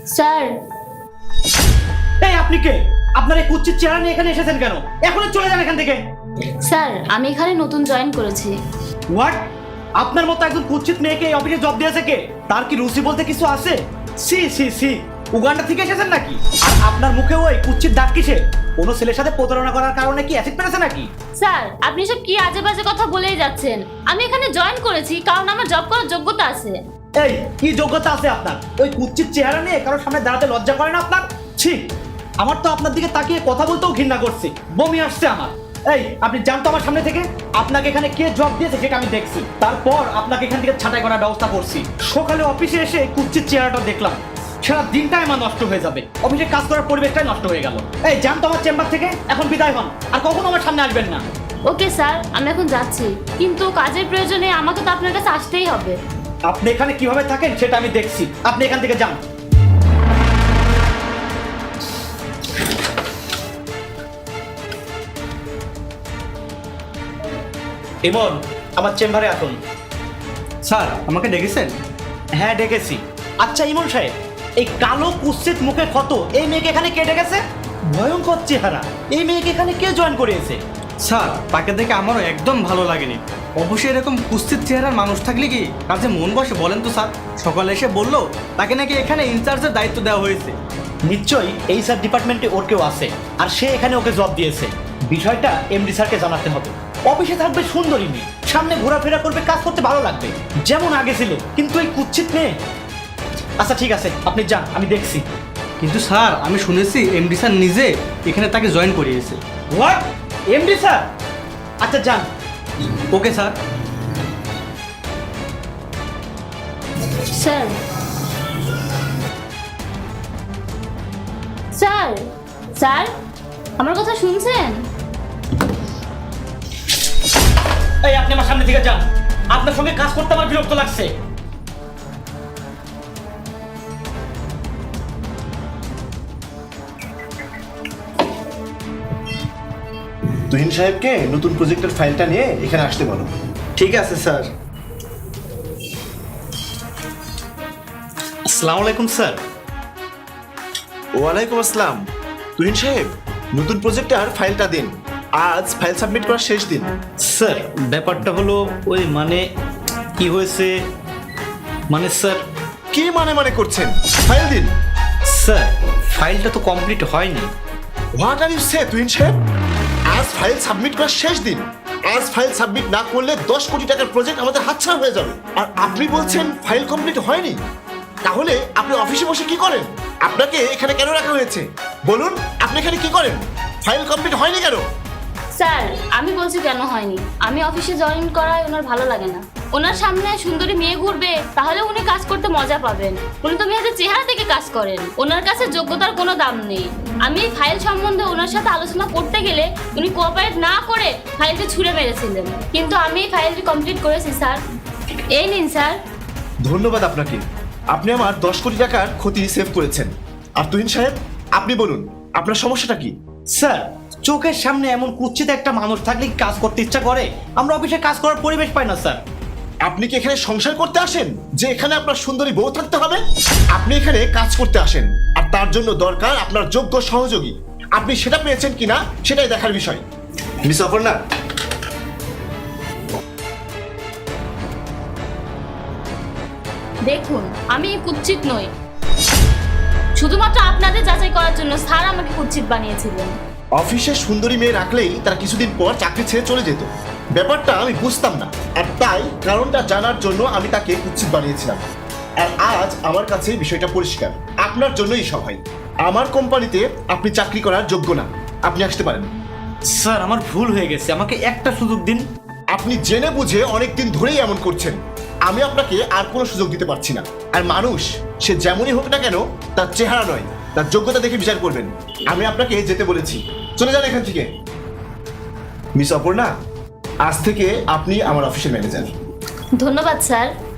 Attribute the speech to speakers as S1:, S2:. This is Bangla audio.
S1: স্যার।
S2: এই আপনি কে? আপনার এই কুচ্ছিত চেহারা নিয়ে এখানে এসেছেন কেন? এখনই চলে যান এখান থেকে।
S1: স্যার, আমি এখানে নতুন জয়েন করেছি।
S2: হোয়াট? আপনার মতো একজন কুচ্ছিত মেয়েকে এই অফিসে জব দিয়েছে কে? তার কি রুচি বলতে কিছু আছে? সি সি সি, উগান্ডা থেকে এসেছেন নাকি? আর আপনার মুখে ওই কুচ্ছিত দাগ কিসে? কোনো ছেলের সাথে প্রতারণা করার কারণে কি অ্যাসিড পেরেছে নাকি?
S1: স্যার, আপনি সব কি আজে বাজে কথা বলেই যাচ্ছেন। আমি এখানে জয়েন করেছি কারণ আমার জব করার যোগ্যতা আছে।
S2: এই কি যোগ্যতা আছে আপনার? ওই কুচ্ছিত চেহারা নিয়ে কারোর সামনে দাঁড়াতে লজ্জা করে না আপনার? ছি, আমার তো আপনার দিকে তাকিয়ে কথা বলতেও ঘৃণা করছি, বমি আসছে আমার। এই আপনি জানতো আমার সামনে থেকে? আপনাকে এখানে কে জব দিয়েছে সেটা আমি দেখছি, তারপর আপনাকে এখান থেকে ছাঁটাই করার ব্যবস্থা করছি। সকালে অফিসে এসে কুচ্ছিত চেহারাটা দেখলাম, সারা দিনটাই আমার নষ্ট হয়ে যাবে, অফিসে কাজ করার পরিবেশটাই নষ্ট হয়ে গেল। এই জানতো আমার চেম্বার থেকে, এখন বিদায় হন, আর কখনো আমার সামনে আসবেন না।
S1: ওকে স্যার, আমি এখন যাচ্ছি, কিন্তু কাজের প্রয়োজনে আমাকে তো আপনার কাছে আসতেই হবে।
S2: আপনি এখানে কিভাবে থাকেন সেটা আমি দেখছি, আপনি এখান থেকে যান। ইমন, আমার চেম্বারে আসুন।
S3: স্যার, আমাকে ডেকেছেন?
S2: হ্যাঁ ডেকেছি। আচ্ছা ইমন সাহেব, এই কালো কুৎসিত মুখে ক্ষত এই মেয়েকে এখানে কে ডেকেছে? ভয়ঙ্কর চেহারা এই মেয়েকে এখানে কে জয়েন করিয়েছে?
S3: স্যার, তাকে দেখে আমারও একদম ভালো লাগেনি। অবশ্যই এরকম কুৎসিত চেহারার মানুষ থাকলে কি কাজে মন বসে বলেন তো স্যার? সকালে এসে বললো তাকে নাকি এখানে ইনচার্জের দায়িত্ব দেওয়া হয়েছে।
S2: নিশ্চয়ই এই স্যার ডিপার্টমেন্টে ওর কেউ আছে, আর সে এখানে ওকে জব দিয়েছে। বিষয়টা এমডি স্যারকে জানাতে হবে। অফিসে থাকবে সুন্দরী মেয়ে, সামনে ঘোরাফেরা করবে, কাজ করতে ভালো লাগবে যেমন আগে ছিল, কিন্তু এই কুৎসিত মেয়ে। আচ্ছা ঠিক আছে, আপনি যান, আমি দেখছি।
S3: কিন্তু স্যার, আমি শুনেছি এমডি স্যার নিজে এখানে তাকে জয়েন করিয়েছে।
S2: হোয়াট? MD sir? আচ্ছা যান।
S3: Okay sir.
S1: Sir. Sir. Sir, আমার কথা শুনছেন?
S2: এই আপনি আমার সামনে থেকে যান, আপনার সঙ্গে কাজ করতে আমার বিরক্ত লাগছে।
S4: তুহিন সাহেবকে নতুন প্রজেক্টের ফাইলটা নিয়ে এখানে আসতে বলো।
S3: ঠিক আছে স্যার।
S2: আসসালামু আলাইকুম স্যার।
S4: ওয়ালাইকুম আসসালাম। তুহিন সাহেব, নতুন প্রজেক্টের ফাইলটা দিন, আজ ফাইল সাবমিট করার শেষ দিন।
S2: স্যার ব্যাপারটা হলো ওই মানে কি হয়েছে, মানে স্যার।
S4: কি মানে করছেন? ফাইল দিন।
S2: স্যার ফাইলটা তো কমপ্লিট হয়নি।
S4: What are you say Tuhin সাহেব? আজ ফাইল সাবমিট করার শেষ দিন। আজ ফাইল সাবমিট না করলে 10 কোটি টাকার প্রজেক্ট আমাদের হাতছাড়া হয়ে যাবে। আর আপনি বলছেন ফাইল কমপ্লিট হয়নি? তাহলে আপনি অফিসে বসে কি করেন? আপনাকে এখানে কেন রাখা হয়েছে বলুন? আপনি এখানে কি করেন? ফাইল কমপ্লিট হয়নি কেন?
S1: স্যার, আমি বলছি কেন হয়নি। আমি অফিসে জয়েন করায় ওনার ভালো লাগে না। ওনার সামনে সুন্দরী মেয়ে ঘুরবে, তাহলে উনি কাজ করতে মজা পাবেন। উনি তো মেয়েদের চেহারা থেকে কাজ করেন, ওনার কাছে যোগ্যতার কোনো দাম নেই। আমি এই ফাইল সম্বন্ধে ওনার সাথে আলোচনা করতে গেলে উনি কোঅপারেট না করে ফাইলটি ছুঁড়ে মেরেছিলেন, কিন্তু আমি এই ফাইলটি কমপ্লিট করেছি স্যার। এই নিন স্যার।
S4: ধন্যবাদ আপনাকে। আপনি আমার 10 কোটি টাকার ক্ষতি সেভ করেছেন। আর তুহিন সাহেব, আপনি বলুন আপনার সমস্যাটা কি?
S2: স্যার চোখের সামনে এমন কুৎসিত একটা মানুষ থাকলে কি কাজ করতে ইচ্ছা করে? আমরা অফিসে কাজ করার পরিবেশ পাই না স্যার।
S4: আপনি কি এখানে সংসার করতে আসেন যে এখানে আপনার সুন্দরী বউ থাকতে হবে? আপনি এখানে কাজ করতে আসেন, আর তার জন্য দরকার আপনার যোগ্য সহযোগী। আপনি সেটা পেয়েছেন কিনা সেটাই দেখার বিষয়। মিস অপর্ণা,
S1: দেখুন, আমি কুৎসিত নই। শুধুমাত্র আপনাদের যাচাই করার জন্য স্যার আমাকে কুৎসিত বানিয়েছিলেন।
S4: অফিসে সুন্দরী মেয়ে রাখলেই তারা কিছুদিন পর চাকরি ছেড়ে চলে যেত। ব্যাপারটা আমি বুঝতাম না, আর তাই কারণটা জানার জন্য আমি তাকে কুৎসিত বানিয়েছিলাম। আর আজ আমার কাছে বিষয়টা পরিষ্কার। আপনার জন্যই সবাই। আমার কোম্পানিতে আপনি চাকরি করার যোগ্য না। আপনি আসতে পারেন।
S2: স্যার আমার ভুল হয়ে গেছে, আমাকে একটা সুযোগ দিন।
S4: আপনি জেনে বুঝে অনেকদিন ধরেই এমন করছেন। আমি আপনাকে আর কোনো সুযোগ দিতে পারছি না। আর মানুষ সে যেমনই হোক না কেন, তার চেহারা নয়, তার যোগ্যতা দেখে বিচার করবেন। আমি আপনাকে যেতে বলেছি, চলে যান এখান থেকে। মিস অপর্ণা, আজ থেকে আপনি আমার অফিসের ম্যানেজার।
S1: ধন্যবাদ স্যার।